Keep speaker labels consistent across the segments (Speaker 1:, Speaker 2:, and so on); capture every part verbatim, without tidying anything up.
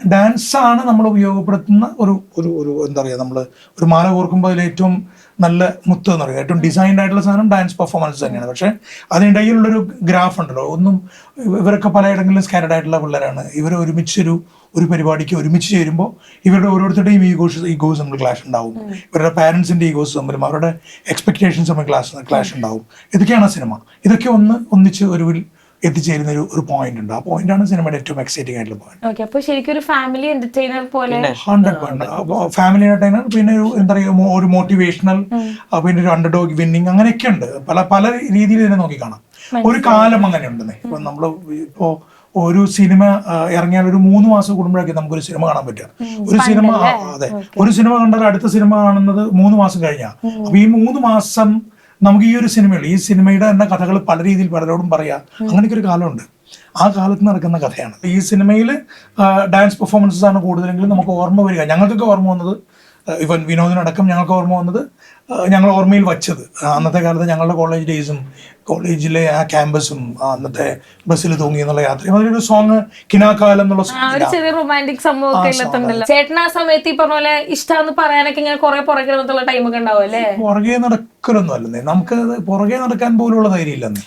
Speaker 1: ഡാൻസാണ് നമ്മൾ ഉപയോഗപ്പെടുത്തുന്ന ഒരു ഒരു ഒരു എന്താ പറയുക, നമ്മൾ ഒരു മാല കോർക്കുമ്പോൾ അതിൽ ഏറ്റവും നല്ല മുത്ത് എന്ന് പറയുക ഏറ്റവും ഡിസൈൻഡ് ആയിട്ടുള്ള സാധനം ഡാൻസ് പെർഫോമൻസ് തന്നെയാണ്. പക്ഷേ അതിനിടയിലുള്ളൊരു ഗ്രാഫ് ഉണ്ടല്ലോ, ഒന്നും ഇവരൊക്കെ പലയിടങ്ങളിലും സ്കാറ്റഡ് ആയിട്ടുള്ള പിള്ളേരാണ്. ഇവർ ഒരുമിച്ചൊരു ഒരു പരിപാടിക്ക് ഒരുമിച്ച് ചേരുമ്പോൾ ഇവരുടെ ഓരോരുത്തരുടെയും ഈഗോസ് ഈഗോസ് തമ്മിൽ ക്ലാഷ് ഉണ്ടാവും, ഇവരുടെ പാരൻസിൻ്റെ ഈഗോസ് തമ്മിലും അവരുടെ എക്സ്പെക്ടേഷൻസ് തമ്മിൽ ക്ലാഷ് ക്ലാഷ് ഉണ്ടാവും. ഇതൊക്കെയാണ് സിനിമ. ഇതൊക്കെ ഒന്ന് ഒന്നിച്ച് ഒരു എത്തിച്ചേരുന്ന ഒരു ഒരു പോയിന്റ് ഉണ്ട്. ആ പോയിന്റ് ആണ് സിനിമയുടെ ഏറ്റവും എക്സൈറ്റിംഗ് ആയിട്ടുള്ള പോയിന്റ്.
Speaker 2: അപ്പോൾ ശരിക്കും ഒരു ഫാമിലി എന്റർടൈനർ പോലെ
Speaker 1: ഹൺഡ്രഡ് പോയിന്റ് ഫാമിലി എന്റർടൈനർ, പിന്നെ ഒരു എന്താ പറയുക ഒരു മോട്ടിവേഷണൽ, പിന്നെ ഒരു അണ്ടർഡോഗ് വിന്നിങ്, അങ്ങനെയൊക്കെ ഉണ്ട്. പല പല രീതിയിൽ ഇതിനെ നോക്കി കാണാം. ഒരു കാലം അങ്ങനെ ഉണ്ടെന്നേ. ഇപ്പൊ നമ്മൾ ഇപ്പോ ഒരു സിനിമ ഇറങ്ങിയാൽ ഒരു മൂന്ന് മാസം കൂടുമ്പോഴൊക്കെ നമുക്കൊരു സിനിമ കാണാൻ പറ്റുക. ഒരു സിനിമ അതെ ഒരു സിനിമ കണ്ടാൽ അടുത്ത സിനിമ കാണുന്നത് മൂന്ന് മാസം കഴിഞ്ഞാൽ. അപ്പൊ ഈ മൂന്ന് മാസം നമുക്ക് ഈ ഒരു സിനിമയിൽ ഈ സിനിമയുടെ തന്നെ കഥകൾ പല രീതിയിൽ പലരോടും പറയാം. അങ്ങനെയൊക്കെ ഒരു കാലമുണ്ട്. ആ കാലത്ത് നടക്കുന്ന കഥയാണ് ഈ സിനിമയിൽ. ഡാൻസ് പെർഫോമൻസസ് ആണ് കൂടുതലെങ്കിലും നമുക്ക് ഓർമ്മ വരിക. ഞങ്ങൾക്കൊക്കെ ഓർമ്മ വന്നത്, ഇവൻ വിനോദിനടക്കം ഞങ്ങൾക്ക് ഓർമ്മ വന്നത്, ഞങ്ങൾ ഓർമ്മയിൽ വച്ചത് അന്നത്തെ കാലത്ത് ഞങ്ങളുടെ കോളേജ് ഡേയ്സും കോളേജിലെ ആ ക്യാമ്പസും അന്നത്തെ ബസ്സിൽ തൂങ്ങി എന്നുള്ള യാത്രയും അതിലൊരു സോങ് കിനാക്കാലം എന്നുള്ള
Speaker 2: ചെറിയ റൊമാൻറ്റിക് സംഭവം. ചേട്ടൻ ആ സമയത്ത് ഈ പറഞ്ഞ പോലെ ഇഷ്ടമെന്ന് പറയാനൊക്കെ ഇങ്ങനെ കുറെ പുറകെ നടന്നുള്ള ടൈമൊക്കെ ഉണ്ടാവും അല്ലേ?
Speaker 1: പുറകെ നടക്കലൊന്നും അല്ലെന്നേ, നമുക്ക് പുറകെ നടക്കാൻ പോലുള്ള ധൈര്യം ഇല്ലെന്നേ.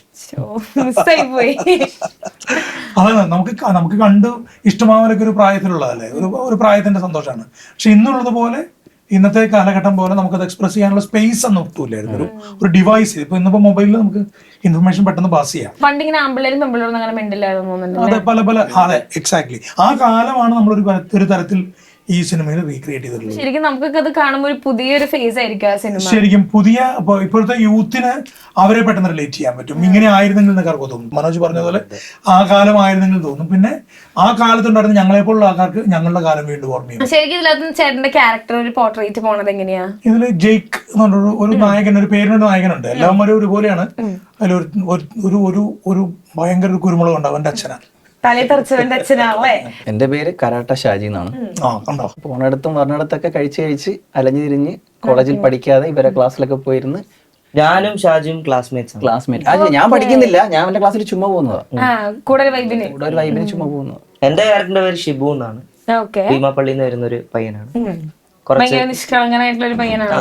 Speaker 1: അതെ, നമുക്ക് നമുക്ക് കണ്ട് ഇഷ്ടമാവലൊക്കെ ഒരു പ്രായത്തിലുള്ളതല്ലേ, ഒരു ഒരു പ്രായത്തിന്റെ സന്തോഷമാണ്. പക്ഷെ ഇന്നുള്ളത് പോലെ ഇന്നത്തെ കാലഘട്ടം പോലെ നമുക്കത് എക്സ്പ്രസ് ചെയ്യാനുള്ള സ്പേസ് ഒന്നും ഒട്ടുമില്ലായിരുന്നു. ഒരു ഒരു ഡിവൈസ് ഇപ്പൊ ഇന്നിപ്പോ മൊബൈലിൽ നമുക്ക് ഇൻഫർമേഷൻ പെട്ടെന്ന് പാസ് ചെയ്യാം.
Speaker 2: പണ്ടിങ്ങനെ ആമ്പിള്ളേരും പെമ്പിള്ളേരും അങ്ങനെ മെന്റലായിരുന്നു.
Speaker 1: അതെ, പല പല അതെ എക്സാക്ട്ലി ആ കാലമാണ് നമ്മൾ ഒരു ഒരു തരത്തിൽ ഈ സിനിമയിൽ റീക്രിയേറ്റ് ചെയ്തിട്ടുള്ളത്.
Speaker 2: ശരിക്കും നമുക്കൊക്കെ അത് കാണുമ്പോൾ ഒരു പുതിയൊരു ഫേസ് ആയിരിക്കും ആ സിനിമ.
Speaker 1: ശരിക്കും പുതിയ ഇപ്പോഴത്തെ യൂത്തിന് അവരെ പെട്ടെന്ന് റിലേറ്റ് ചെയ്യാൻ പറ്റും. ഇങ്ങനെ ആയിരുന്നെങ്കിൽ എന്നൊക്കെ ആർക്ക് തോന്നും. മനോജ് പറഞ്ഞതുപോലെ ആ കാലം ആയിരുന്നെങ്കിൽ തോന്നും. പിന്നെ ആ കാലത്തുണ്ടായിരുന്ന ഞങ്ങളെപ്പോലുള്ള ആൾക്കാർക്ക് ഞങ്ങളുടെ കാലം വീണ്ടും ഓർമ്മയും.
Speaker 2: ശരിക്കും ഇതിനകത്ത് ചേട്ടന്റെ ക്യാരക്ടർ ഒരു പോർട്രേറ്റ് പോണത് എങ്ങനെയാ?
Speaker 1: ഇതില് ജെയ്ക്ക് എന്ന് പറഞ്ഞൊരു ഒരു നായകൻ, ഒരു പേരിനൊരു നായകനുണ്ട്. എല്ലാവരും ഒരുപോലെയാണ്. അതിലൊരു ഒരു ഒരു ഒരു ഭയങ്കര ഒരു കുരുമുളക് ഉണ്ട്, അവന്റെ അച്ഛനാണ്.
Speaker 3: എന്റെ പേര് കരാട്ട ഷാജി എന്നാണ്. പോണയിടത്തും പറഞ്ഞിടത്തൊക്കെ കഴിച്ച് കഴിച്ച് അലഞ്ഞു തിരിഞ്ഞ് കോളേജിൽ പഠിക്കാതെ ഇവരെ ക്ലാസ്സിലൊക്കെ പോയിരുന്ന്
Speaker 4: ഞാനും ഷാജിയും ക്ലാസ്മേറ്റ്സ്
Speaker 3: ക്ലാസ്മേറ്റ് അതെ ഞാൻ പഠിക്കുന്നില്ല, ഞാൻ എന്റെ ക്ലാസ്സിൽ ചുമ്മാ പോകുന്നതാ,
Speaker 2: കൂടെ ഒരു വൈബിന്
Speaker 3: കൂടെ ഒരു വൈബിന് ചുമ്മാ പോകുന്നത്.
Speaker 4: എന്റെ ക്യാരക്ടറിന്റെ പേര് ഷിബു എന്നാണ്. ഭീമാപ്പള്ളിയിൽ നിന്ന് വരുന്ന ഒരു പയ്യനാണ്.
Speaker 2: ഭയങ്കര നിഷ്കളങ്കനായിട്ടുള്ള ഒരു പയ്യനാണ്.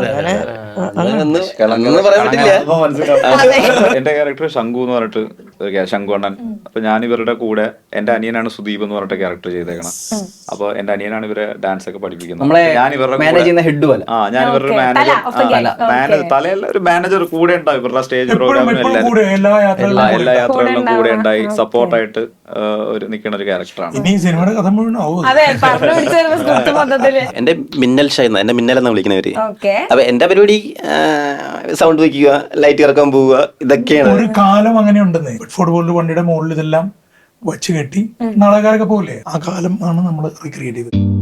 Speaker 5: എന്റെ ക്യാരക്ടർ ശംഖു എന്ന് പറഞ്ഞിട്ട് ശംഖു അണ്ണൻ. അപ്പൊ ഞാൻ ഇവരുടെ കൂടെ എന്റെ അനിയനാണ് സുദീപ് എന്ന് പറഞ്ഞിട്ട് ക്യാരക്ടർ ചെയ്തേക്കണം. അപ്പൊ എന്റെ അനിയനാണ് ഇവരെ ഡാൻസ് ഒക്കെ പഠിപ്പിക്കുന്നത്. ഞാൻ ഇവരുടെ ആ ഞാൻ ഇവരുടെ മാനേജർ തലയല്ല ഒരു മാനേജർ കൂടെ ഉണ്ടാവും. ഇവരുടെ സ്റ്റേജ് പ്രോഗ്രാമിനും എല്ലാ എല്ലാ യാത്രകളിലും കൂടെ ഉണ്ടായി സപ്പോർട്ടായിട്ട് ഒരു നിൽക്കുന്ന ഒരു ക്യാരക്ടറാണ്.
Speaker 6: എന്റെ മിന്നൽ ഷൈന, എന്റെ മിന്നൽ എന്നാ വിളിക്കുന്നവര്. അപ്പൊ എന്റെ പരിപാടി സൗണ്ട് വയ്ക്കുക, ലൈറ്റ് ഇറക്കാൻ പോവുക, ഇതൊക്കെയാണ്.
Speaker 1: ഒരു കാലം അങ്ങനെ ഉണ്ടെന്നേ. ഫുട്ബോളിന്റെ വണ്ടിയുടെ മുകളിൽ ഇതെല്ലാം വച്ച് കെട്ടി നാടകക്കാരൊക്കെ പോലെ ആ കാലം ആണ് നമ്മൾ റീക്രിയേറ്റ് ചെയ്തത്.